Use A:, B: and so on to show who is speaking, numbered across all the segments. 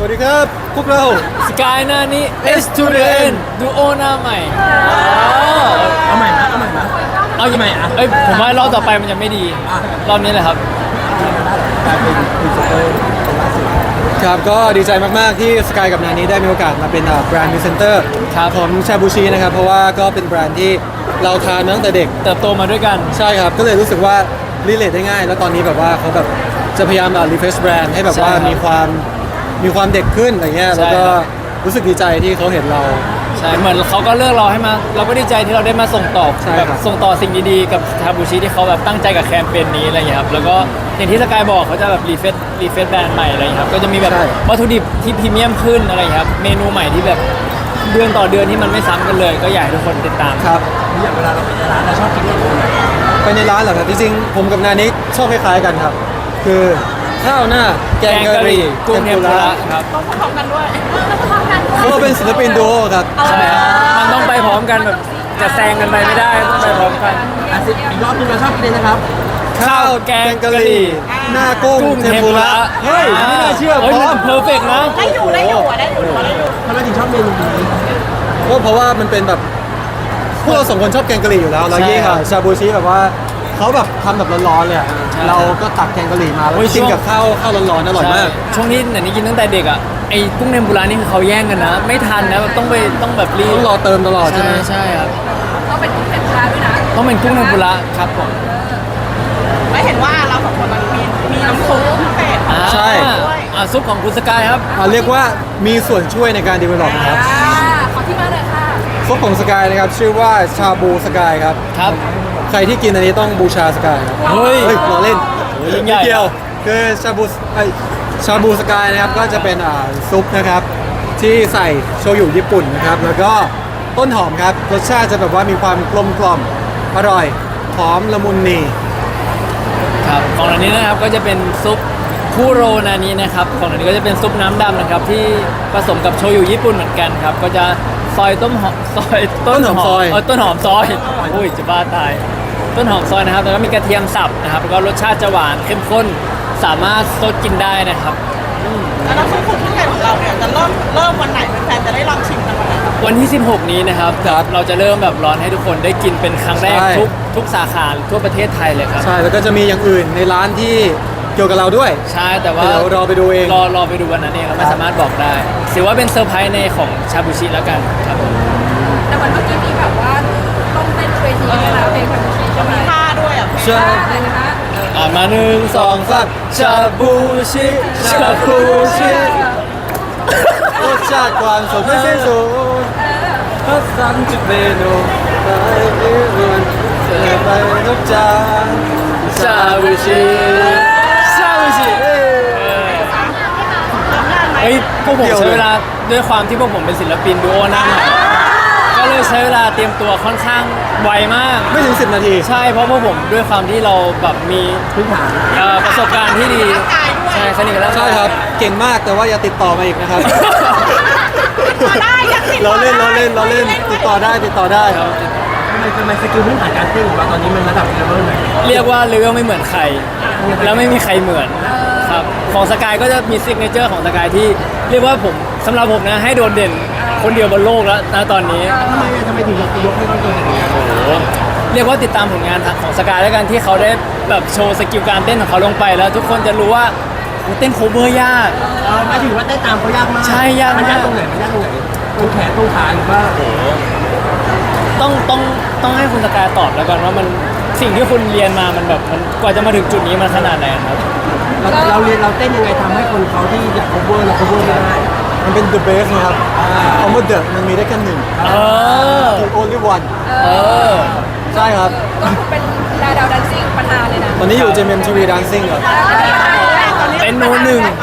A: วัสดีครับพวกเรา
B: สกายหน้านี้ S to the N ดูโอหน้าใหม่
C: เอาใหม่นะเอาใหม่นะ
B: เอายังไงอ่ะผมว่ารอบต่อไปมันจะไม่ดีรอบนี้แหละครับ
C: กลายเป็นพรีเซนเตอร์คนล่าสุด
A: ครับก็ดีใจมากๆที่สกายกับนานี้ได้มีโอกาสมาเป็นแบรนด์พรีเซนเตอร์ของชาบูชินะครับเพราะว่าก็เป็นแบรนด์ที่เราทานมาตั้งแต่เด็ก
B: เติบโตมาด้วยกัน
A: ใช่ครับก็เลยรู้สึกว่ารีเลทได้ง่าย แล้วตอนนี้แบบว่าเขาแบบจะพยายามรีเฟรชแบรนด์ให้แบบว่ามีความเด็กขึ้นอะไรเงี้ยแล้วก็รู้สึกดีใจที่เขาเห็นเรา
B: ใช่เหมือนเขาก็เลือกเราให้มาเราก็ดีใจที่เราได้มาส่งต่อแบบส่งต่อสิ่งดีๆกับชาบูชิที่เขาแบบตั้งใจกับแคมเปญนี้อะไรอย่างเงี้ยครับแล้วก็อย่างที่สกายบอกเขาจะแบบรีเฟซแบรนด์ใหม่อะไรอย่างเงี้ยครับก็จะมีแบบวัตถุดิบที่พรีเมียมขึ้นอะไรอย่างเงี้ยครับเมนูใหม่ที่แบบเดือนต่อเดือนที่มันไม่ซ้ำกันเลยก็อยากให้ทุกคนติดตาม
A: ครับ
C: อย่างเวลาเราไปในร้านเราชอบกินเมนูไหน
A: ไปในร้านเหรอครับจริงๆผมกับนานี้ชอบคล้ายๆกันครับคือข้าวหน้าแกงกะหรี่
B: กุ้งเทมปุระครับ
D: ต้องพร้อมกันด้วย
A: เขาเป็นศิลปินดูโอครับ
B: ใช่มันต้องไปพร้อมกันแบบจะแซงกันไปไม่ได้ต้องไปพร้อมกัน
C: อีกรอบนึงเราชอบกินเลยนะครับ
A: ข้าวแกงกะหรี่หน้ากุ้งเทมปุระเฮ้ยไม่น่าเชื่อพร้อม
B: เพอร์เฟกต์นะ
D: ได้อยู่
C: ทำไมถึงชอบเมนูนี้
A: ก็เพราะว่ามันเป็นแบบพวกเราสองคนชอบแกงกะหรี่อยู่แล้วแล้วยิ่งชาบูชิแบบว่าเขาแบบทำแบบร้อนๆเลยเราก็ตักแกงกะหรี่มาแล้วกินกับข้าวร้อนๆอร่อยมาก
B: ช่วงนี้เนี่ยนี่กินตั้งแต่เด็กอ่ะไอ้กุ้งเทมปุระนี่คือเขาแย่งกันนะไม่ทันนะต้องแบบรีบ
A: ต้องรอเติมตลอดใช่ไหม
B: ใช่ครับ
D: ต้องเป็นกุ้งเทมปุระด้วยนะ
B: ต้องเป็นกุ้งเทมปุระครับผม
D: ไม่เห็นว่าเราสองคนมันมีน้ำซุปพิเศษ
A: ใช่
B: ซุปของคุณสกายครับ
A: เรียกว่ามีส่วนช่วยในการดีเวลลอปครับ
D: ขอที่มาเลยค่ะ
A: ซุปของสกายนะครับชื่อว่าชาบูสกายครับ
B: ครับ
A: ใครที่กินอันนี้ต้องบูชาสกายครับ
B: เฮ้ย
A: เราเล่น
B: ยิ่งใหญ่
A: เดียวคือชาบูสกายนะครับก็จะเป็นซุปนะครับที่ใส่โชยุญี่ปุ่นนะครับแล้วก็ต้นหอมครับรสชาติจะแบบว่ามีความกลมกล่อมอร่อยหอมละมุนนี
B: ครับของอันนี้นะครับก็จะเป็นซุปคุโรนานี้นะครับของอันนี้ก็จะเป็นซุปน้ำดำนะครับที่ผสมกับโชยุญี่ปุ่นเหมือนกันครับก็จะซอยต้นหอมซอยต้นหอมซอยอุ้ยจะบ้าตายต้นหอมซอยนะครับแล้วก็มีกระเทียมสับนะครับแล้วก็รสชาติจะหวานเข้มข้นสามารถซดกินได้นะครับ
D: แล้วน้ำซุปพิเศษของเราเนี่ยจะเริ่มวันไหนแฟนจะได้ลองชิมกันวันไหน
B: วันที่16นี้นะครับเราจะเริ่มแบบร้อนให้ทุกคนได้กินเป็นครั้งแรกทุกสาขาทั่วประเทศไทยเลยครับ
A: ใช่แล้วก็จะมีอย่างอื่นในร้านที่เกี่ยวกับเราด้วย
B: ใช่แต่ว่า
A: เรารอไปดูเอง
B: รอไปดูวันนั้นเองเราไม่สามารถบอกได้ถือว่าเป็นเซอร์ไพรส์ในของชาบูชิแล้วกันครับ
D: แต่วันเมื่อกี้มีแบบว่าต้องเต้นเวทีแล้วเพลงชาบูชิจะมีท่าด้วยอ่ะ
A: ใช่
B: มา1 2 3ชาบูชิชาบูชิ
A: รสชาติความสดไม่สิ้นสุดพัฒนจุดเมนูไปยืนเสิร์ฟไปทุกจาน
B: ชาบูชิเฮ้ยพวกผมใช้เวลาด้วยความที่พวกผมเป็นศิลปินดูโอหน้าใหม่ก็เลยใช้เวลาเตรียมตัวค่อนข้างไวมาก
A: ไม่ถึง10 นาที
B: ใช่เพราะพวกผมด้วยความที่เราแบบมี
C: พื้นฐาน
B: ประสบการณ์ที่ดีใช่สนิทกันแล้ว
A: ใช่ครับเก่งมากแต่ว่าอย่าติดต่อมาอีกนะครับ
D: ได้
A: เราเล่นติดต่อได้
C: ครับทำไมสกิลพื้นฐานการเต้นของเราตอนนี้มันระดับเลเวลไหน
B: เรียกว่าเลเวลไม่เหมือนใครแล้วไม่มีใครเหมือนครับของสกายก็จะมีซิกเนเจอร์ของสกายที่เรียกว่าผมสำหรับผมนะให้โดดเด่นคนเดียวบนโลกแล้วนะตอนนี้
C: ทำไมถึงยกให้เขาโดดเด่นอย่างนี้
B: เรียกว่าติดตามผลงานของสกายแล้วกันที่เขาได้แบบโชว์สกิลการเต้นของเขาลงไปแล้วทุกคนจะรู้ว่าเต้นโคเวอร์ยาก
C: หมายถึงว่าเต้นตามเขายากมาก
B: ใช่ยาก
C: มันยากตรงไหนตรงแขนตรงขาหรือว่า
B: ต้องให้คุณสกายตอบแล้วกันว่ามันสิ่งที่คุณเรียนมามันแบบมันกว่าจะมาถึงจุดนี้มันขนาดไหนครับ
C: เราเรียนเราเต้นยังไงทำให้คนเขาที่อยาก cover เรา cover ไม่ได้
A: มันเป็น the best นะครับคำว่า the มันมีได้แค่หนึ่งthe only one ใช่ครับ
D: เป็นดาวดันซิ่งประธานเลยนะ
A: ตอนนี้อยู่ JMTV Dancing ครับ
B: เป็นโนหนึ่ง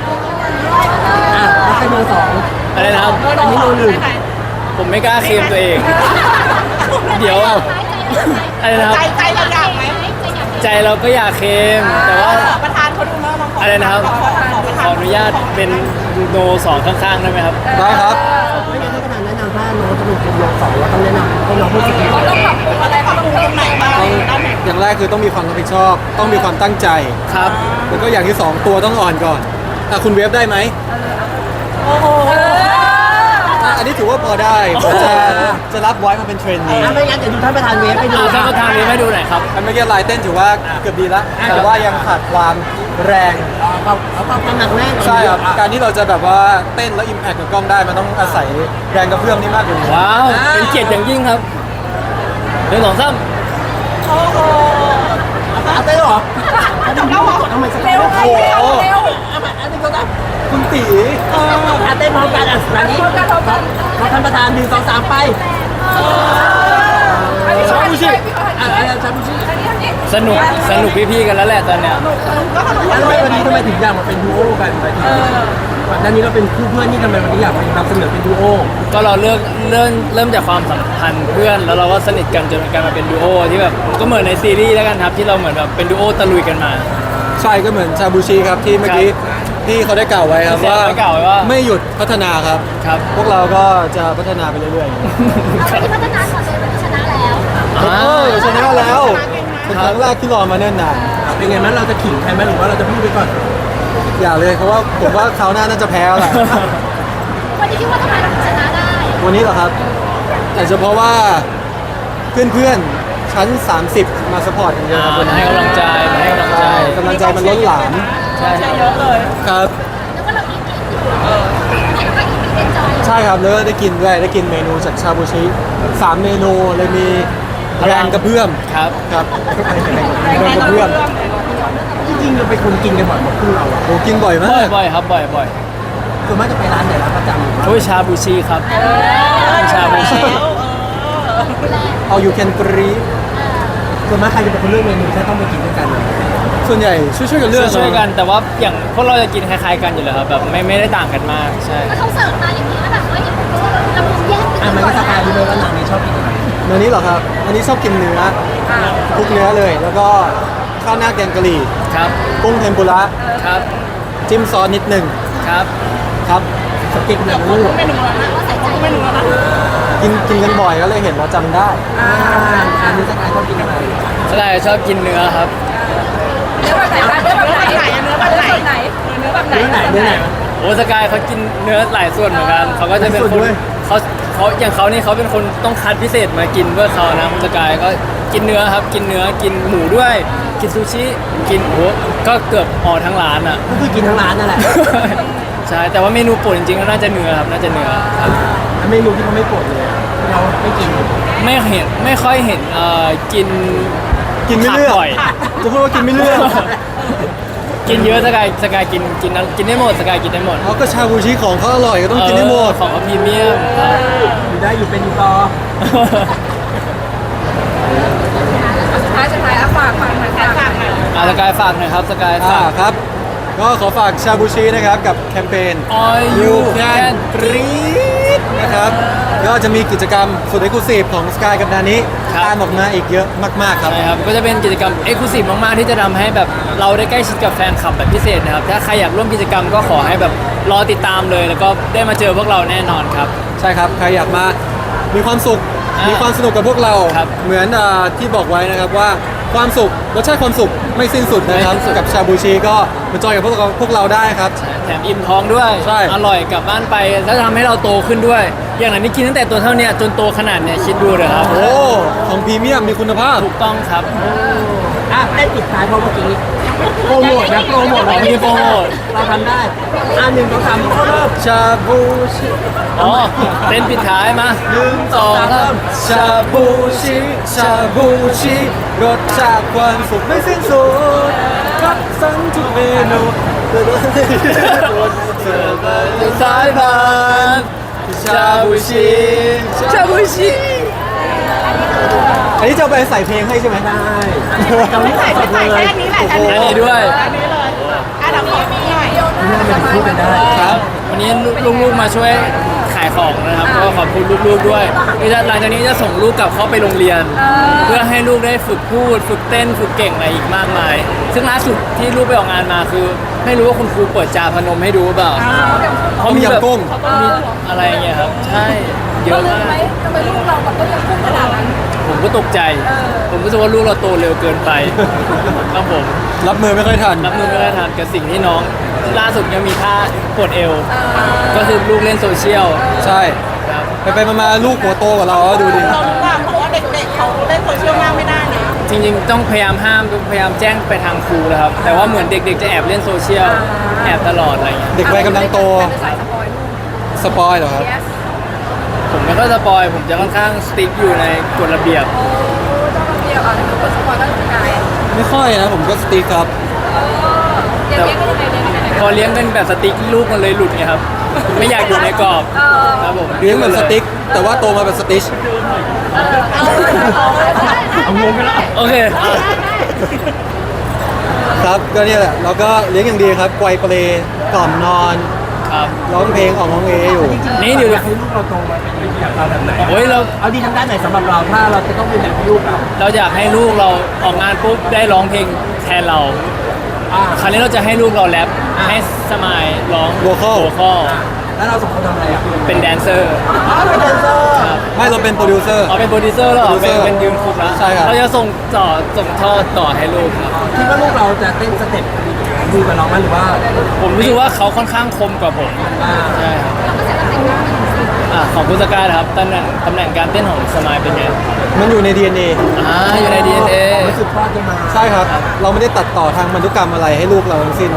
C: ไม่ใช่โนสอง
B: อะไรนะครับ
C: อันนี้โนหนึ่ง
B: ผมไม่กล้าเคลมตัวเองเดี๋ยวอะไรนะครับ
D: ใจเราอยากไหม
B: ใจเราก็อยากเคลมแต่ว่า
D: ประธานเขาดูมาก
B: อะไรนะครับขออนุญาตเป็นโน2ข้างๆได้ไหมครับ
A: ได้ครับ
C: ไม่งั้นถ้าขนาดแนะนำถ้าน้องจะเป็นโน2เราต้องแนะนำให้น้องพูดจริงๆ
D: เขาต้องปรับปรุงอะไรปรับปรุงตรงไหนบ้าง
A: อย่างแรกคือต้องมีความรับผิดชอบต้องมีความตั้งใจ
B: ครับ
A: แล้วก็อย่างที่2ตัวต้องอ่อนก่อนคุณเวฟได้ไหมอันนี้ถือว่าพอได้ผมจะรับไว้มาเป็นเทรนนี
C: ไม่งั้นเดี๋ยวดูท่านประธานเวฟไปดู
B: ท่านประธานนี้ให้ดูหน่อยครับ
A: อันเมื่อกี้ลายเต้นถือว่าเกือบดีแล้วแต่ว่ายังขาดความแรง
C: เอาความหนักแน่น
A: ใช่ครับการที่เราจะแบบว่าเต้นแล้วอิมแพคกับกล้องได้มันต้องอาศัยแรงกระเพื่อมนี่มากกว่านี้
B: ว้าว เป็นเกียรติอย่างยิ่งครับหนึ่งสองสาม
C: เอาเต้นเหรอเอาเต้นเหรอกดทำไมสัก
D: เร็ว
C: โอ้
D: เร็ว
C: โห
D: เร็ว
C: อันนี้ก็ได้
A: คุณตี
C: เอาเต้นพร้อมกันอ่ะอันนี้ขอท่านประธาน1 2 3ไป
D: อันนี้ชาบูชิพี่ขอ
C: อ่ะ
D: ถ่าย
C: ชาบูชิ
D: อันนี้
B: สนุกพี่ๆกันแล้วแหละตอนเนี้ย
D: ก็ขนม
C: แล้ววันนี้ทำไมถึงอยากมาเป็นดูโอกันไปถึงก่อนหน้านี้เราเป็นคู่เพื่อนนี่ทำไมวันนี้อยากมานำเสนอเป็นดูโอ
B: ก็เราเริ่มจากความสัมพันธ์เพื่อน แล้วเราก็สนิทกันจนกลายมาเป็นดูโอที่แบบก็เหมือนในซีรีส์แล้วกันครับที่เราเหมือนแบบเป็นดูโอตะลุยกันมา
A: ใช่ก็เหมือนชาบูชิครับที่เมื่อกี้พี่เขาได้กล่าวไว้ครับ
B: พี่
A: ว่า
B: เซฟได้กล่าวไว้ว่า
A: ไม่หยุดพัฒนาครับ
B: ครับ
A: พวกเราก็จะพัฒนาไปเรื่อย
E: เอาไปพัฒนาก่อนเลยวันนี้ชนะแล้ว
A: ๆชนะแล้วเป็นครั้งแรกที่รอมาเนิ่นนาน
C: เป็นไงมั้ยเราจะขิงใครไหมหรือว่าเราจะพูดไปก่อน
A: อย่าเลยเพราะว่าผมว่าคราวหน้าน่าจะแพ้แล้วแหละ
E: วันนี้คิดว่าทำไมเราถึงชนะได้
A: วันนี้เหรอครับอาจจะเพราะว่าเพื่อนๆชั้น 30 มาสปอร์ตกันเยอะครับวัน
B: มา
A: นี้
B: ให้กำลังใจมาให้กำลังใจ
A: กำลังใจมันล้นหลาม
B: ใช่
D: เยอะเลย
A: ครับ
E: แล้วก็เราอีกกินอยู่เห็นว่าอีกมีเป็นจอย
A: ใช่ครับแล้วก็ได้กินด้วยได้กินเมนูจากชาบูชิ3 เมนูเลยมีแรงกระเพื่อม
B: ครับ
A: ครับแรงกระเพื่อม
C: จริงๆเราเป็นคนกินกันบ่อยหมดคู่เราอะ
A: โอ้กินบ่อยมา
B: บ่อย
A: ก
B: บ่อยครับบ่อยบ่อย
C: ส่วนมากจะไปร้านไหนร้านประจำ
B: โอ้ยชาบูชิครับชาบูชิ
A: เอาอยู่แคนตรี
C: ส่วนมากใครจะเป็นคนเลือกเมนูที่ต้องไปกินด้วยกัน
A: ส่วนใหญ่ช่วยๆกันเลือก
B: ช่วยๆกันแต่ว่าอย่างพวกเราจะกินคล้ายๆกันอยู่แล้วครับแบบไม่ได้ต่างกันมากใช่
E: แล้วเขาเสิร์ฟมาอย่างนี้แล้วแบบว่าอย่างนี้เราแยก
C: อ่ะมันก็สกายรู้เลยว่านางนี้ชอบกินอะไร
A: เมนูนี้เหรอครับอันนี้ชอบกินเนื้อทุกเนื้อเลย แล้วก็ข้าวหน้าแกงกะหรี่
B: ครับ
A: กุ้งเทมปุระ
B: ครับ
A: จิ้มซอสนิดหนึ่ง
B: ครับ
A: ครับ
C: สเก็ตแบบนั้นเลย
D: เมนูแล้วนะ
E: ว่าใส่ใจ
D: เมนูแล้วนะ
A: กินกันบ่อยก็เลยเห็นว่าจำได้
C: อันนี้สกายชอบกินอะไร
B: สไลด์ชอบกินเนื้อครับ
D: เนื้อแบบไหนเนื้อแบบไหนเนื้อแบบไหนเนื้อแบบไหน
C: เนื้อไหนเนื้อไหน
B: โอ้สกายเขากินเนื้อหลายส่วนเหมือนกันเขาก็จะเป็น
C: หลายส่
B: ค
C: วน นด้วย
B: เขาอย่างเขานี่เขาเป็นคนต้องคัดพิเศษมากินเพื่อเขานะคุณสกายก็กินเนื้อครับกินเนื้อกินหมูด้วย กินซูชิกินโอ้ก็เกือบออทั้งร้านอ่ะ
C: ก็คือกินทั้งร้านนั่นแหละ
B: ใช่แต่ว่าเมนูโปรดจริงๆก็น่าจะเนื้อครับน่าจะเนื้อครับ
C: เมนูที่เขาไม่โปรดเลยเราไม่กิน
B: ไม่ค่อยเห็นกิน
A: กินไม่เลือก
B: ผับ่อย
A: จะพูดว่ากินไม่เลือก
B: กินเยอะสกายกินได้หมดสกายกินได้หมด
A: เขาก็ชาบูชิของเขาอร่อยก็ต้องกินให้หมด
B: ของเขาพรีเมียมครับ
C: อยู่ได้อยู่เป็นอยู่ต่อ
D: สุดท้ายฝากหน่อย
B: สกายฝากหน่อยครับสกายฝาก
A: ครับ ก็ขอฝากชาบูชินะครับกับแคมเปญ
B: All You Can
A: Breathe นะครับก็จะมีกิจกรรมสุดเอ็กซ์คลูซีฟของสกายกับนานี้ตามออกมาอีกเยอะมากๆครับ
B: ใช่ครับ ก็จะเป็นกิจกรรม Exclusive มาก ๆ ที่จะทำให้แบบเราได้ใกล้ชิดกับแฟนคลับแบบพิเศษนะครับ ถ้าใครอยากร่วมกิจกรรมก็ขอให้แบบรอติดตามเลย แล้วก็ได้มาเจอพวกเราแน่นอนครับ
A: ใช่ครับ ใครอยากมามีความสุข
B: อ่ามี
A: มีความสนุกกับพวกเรา
B: ครับ
A: เหมือนที่บอกไว้นะครับว่าความสุขรสชาติความสุขไม่สิ้นสุดนะครับ
B: ไม่สิ้นสุด
A: กับชาบูชิก็มาจอยกับพวกเราได้ครับ
B: แถมอิ่มท้องด้วย
A: ใช่
B: อร่อยกลับบ้านไป แล้วทำให้เราโตขึ้นด้วย อย่างนั้นนี่กินตั้งแต่ตัวเท่าเนี้ยจนโตขนาดเนี้ยคิดดูเลยครับ
A: โอ้ของพรีเมียมมีคุณภาพ
B: ถูกต้องครับ
C: อ่ะได้ปิดท้ายเพราะเมื่อกี้โปรโมทนะโปรโมท
B: มีโปรโมท
C: เราทำได้1 2 3เข้าเริ่ม
A: ชาบูชิ
B: อ๋อเต้นปิดท้ายมา
C: 1 2 3
A: ชาบูชิชาบูชิรสชาติความสุขไม่สิ้นสุดคัดสรรทุกเมนูเสิร์ฟไปสายพานชาบูชิชาบูชิอันนี้จะเอาไปใส่เพลงให้ใช่ไหม
C: ได้เราไม่ใส่สดเลย
D: แค่นี้แหละ
B: อันนี้ด้วย
D: อันนี้เลยอ่ะเดี๋ยวขอมีหน่อย
C: นี่ทำไมถึงพูดกันได้
A: ครับ
B: วันนี้ลูกๆมาช่วยขายของนะครับ ก็ขอบคุณลูกๆด้วยหลังจากนี้จะส่งลูกกลับเข้าไปโรงเรียน เพื่อให้ลูกได้ฝึกพูด ฝึกเต้น ฝึกเก่งอะไรอีกมากมาย ซึ่งล่าสุดที่ลูกไปออกงานมาคือ ไม่รู้ว่าคุณครูเปิดจาพนมให้ดูหรือเปล่า
A: เขามียำกุ้ง
B: มีอะไรอย่างเงี้ยครับ ใช่ เย
D: เรา
B: อะ
D: ลืม
B: มา
D: ไหม
B: ก
D: ทำไมลูกเราแบบก็ยังพุ่งขนาดนั้น
B: ผมก็ตกใจ ผมรู้สึกว่าลูกเราโตเร็วเกินไปครับผม
A: รับมือไม่ค่อยทัน
B: รับมือไม่ได้ทันกับสิ่งที่น้องทล่าสุดยังมีท่าปวดเอว ก็คือลูกเล่นโซเชียล
A: ใช่
B: ครับ
A: ไปมาลูกหัวโตกว่าเราดูดิ
D: เรารู้ว่าเพราะว่าเด็กๆเขาเล่นโซเชียลมากไม่ได้นะ
B: จริงๆต้องพยายามห้ามพยายามแจ้งไปทางครูแล้วครับ แต่ว่าเหมือนเด็กๆจะแอบเล่นโซเชียลแอบตลอดอะไรเงี้ย
A: เด็กวัยกำลังโต
D: เป็นสายสปอยล์
A: สปอยเหรอครับ
D: yes
B: ผมไม่ค่อยสปอยผมจะค่อนข้างสติ๊กอยู่ในกฎระเบียบ
D: โอ้เจ้าระเบียบอ่ะถ้าเกิดสปอยล์ก็จะกลาย
A: ไม่ค่อยนะผมก็สติ๊กครับ
D: เลี้ยงก็ยังไงเลี้ยงยังไง
B: พอเลี้ยงเป็นแบบสติ๊กลูกมันเลยหลุดไงครับ ไม่อยากอยู่ในกรอบครับผม
A: เลี้ยงเหมือนสติ๊ก แต่ว่าโตมาเป็นสติช
C: เอางงไปแล้ว
B: โอเค
A: ครับก็เนี่ยแหละเราก็เลี้ยงอย่างดีครับไกวเปลกล่อมนอน
B: ครับ
A: ร้องเพลงออกร้องเออยู่
B: นี่เดี๋ยว
C: อยากให้ลูกเราโตมาเป็นแบบเราแบบไหน
B: โอ้ยเรา
C: เอาดีทางด้านไหนสำหรับเราถ้าเราจะต้องเป็นแบบลูกเรา
B: เราอยากให้ลูกเราออกงานปุ๊บได้ร้องเพลงแทนเรา คราวนี้เราจะให้ลูกเราแรปให้สมายร้อง
A: Vocal
C: แล้วเราสองคนทำอะไรอ่ะ
B: เป็นแดนเซอร์
C: เป็นแดนเซอร์
A: ไม่เราเป็นโปรดิวเซอร์
B: อ๋อเป็นโปรดิวเซอร์แล้วเหรอ
A: Producer
B: เป็นยืนคุกแล้ว
A: ใช่ครับ
B: เราจะส่งทอดต่อให้ลูกครับ
C: คิดว่าลูกเราจะเต้นสเต็ปดูกับเราไหมหรือว่า
B: ผมรู้สึกว่าเขาค่อนข้างคมกว่าผม ใช่ครับของพุทธการครับตำแหน่งการเต้นของสมายเป็นไง
A: มันอยู่ใน DNA
B: อยู่ใน DNA
C: รู้สึกพ่อจะมา
A: ใช่ครับ เราไม่ได้ตัดต่อทางพันธุกรรมอะไรให้ลูกเราทั้งสิ้น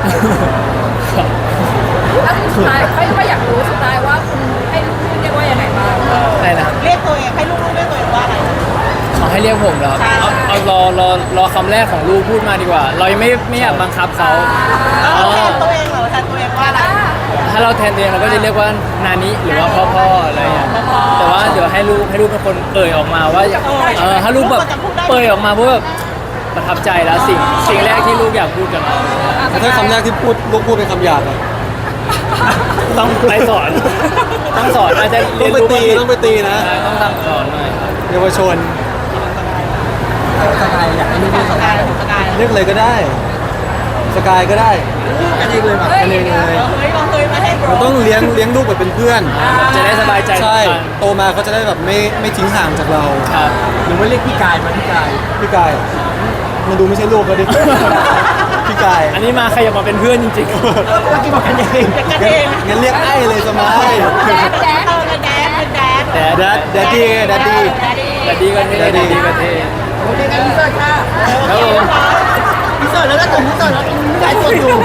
D: แล้วสุดท้ายไม่อยากรู้สุดท้ายว่าคุณให้ลูกเรียกว่ายังไงบ้าง
B: ใช่นะครับ
D: เรียกตัวเองให้ลูกเรียกตัวเองว่าอะไร
B: ขอให้เรียกผมเหรอครับเอารอคำแรกของลูกพูดมาดีกว่า เรายังไม่อยากบังคับเขา
D: เราแทนตัวเองเหรอแทนตัวเองว่าอะไร
B: ถ้าเราแทนตัวเองเราก็จะเรียกว่านานิหรือว่าพ่ออะไรอย่างเงี้ยแต่ว่าเดี๋ยวให้ลูกเป็นคนเอ่ยออกมาว่าถ้าลูกแบบเอ่ยออกมาเพราะแบบประทับใจแล้วสิ่งแรกที่ลูกอยากพูดกับเรา
A: แต่ถ้าคำแรกที่ลูกพูดเป็นคำหยาบอะ
B: ต้องไปสอนต้องสอนอาจจะ
A: ต้องไปตีต้องไปตีนะ
B: ใช่ต้องสั่งสอนหน่อย
A: เยาวชน
C: สกายอยากให้ลูกเล่นสกาย
A: เรียกเลยก็ได้ สกายก็ได้
C: กันเองเลยแบบ
A: กันเองเลย
D: เราเคยมาให้
A: เราต้องเลี้ยงลูกแบบเป็นเพื่อน
B: จะได้สบายใจ
A: ใช่
B: กัน
A: โตมาเขาจะได้แบบไม่ทิ้งห่างจากเรา
B: ครับ
C: หรือว่าเรียกพี่กายมาพี่กาย
A: พี่กาย มันดูไม่ใช่ลูกก็ดิ พี่กาย
B: อันนี้มาใครอยากมาเป็นเพื่อนจริง
C: เมื่อกี้บอกกันเอง
D: กันเอง
A: งั้นเรียกไอ้เลยสมัย
D: แดดเป็นแดด
B: ๆแต่
A: แดดดี้แดดดี้
B: แต่ดีก็เท่ดีก็เท่
C: โอเคกันพี่เสิร์ชค่ะ
B: ครับผม
C: พี่เสิร์ชแล้วก็ถึงพี่เสิร์ชแล้วพี่กายตัวอยู่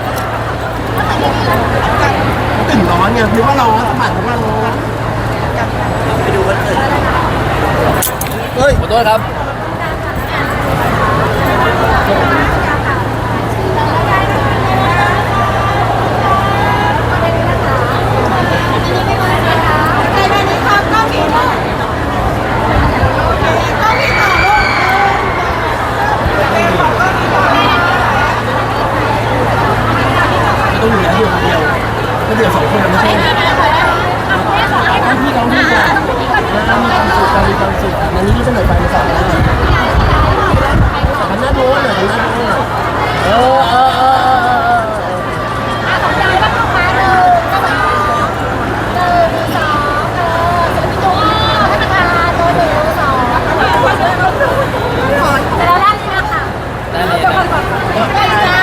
C: ตื่นร้อนไงหรือว่าเราสมัครหรือว่าเราไปดูกันเถอะ
A: เฮ้ย
B: ขอโทษครับ
C: ต้องอยู่แล้วเดียวก็เดียวสองคนไม่ใช่พี่ร้องพี่ก่อนมีความสุขอันนี้พี่เสนอไฟมาสองแล้วทำหน้าโน้นหน่อยทำหน้าโน้นหน่อย
B: เออ ได้เลยนะ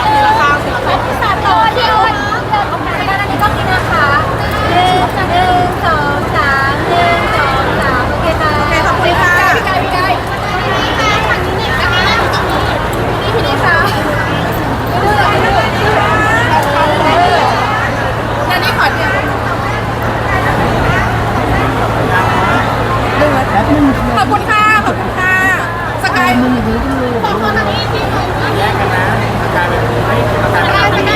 D: ขอบคุณค่ะนันนี่ขอเดียวขอบคุณค่ะขอบคุณค่ะสกาย
B: แยกกันนะกลายเป็น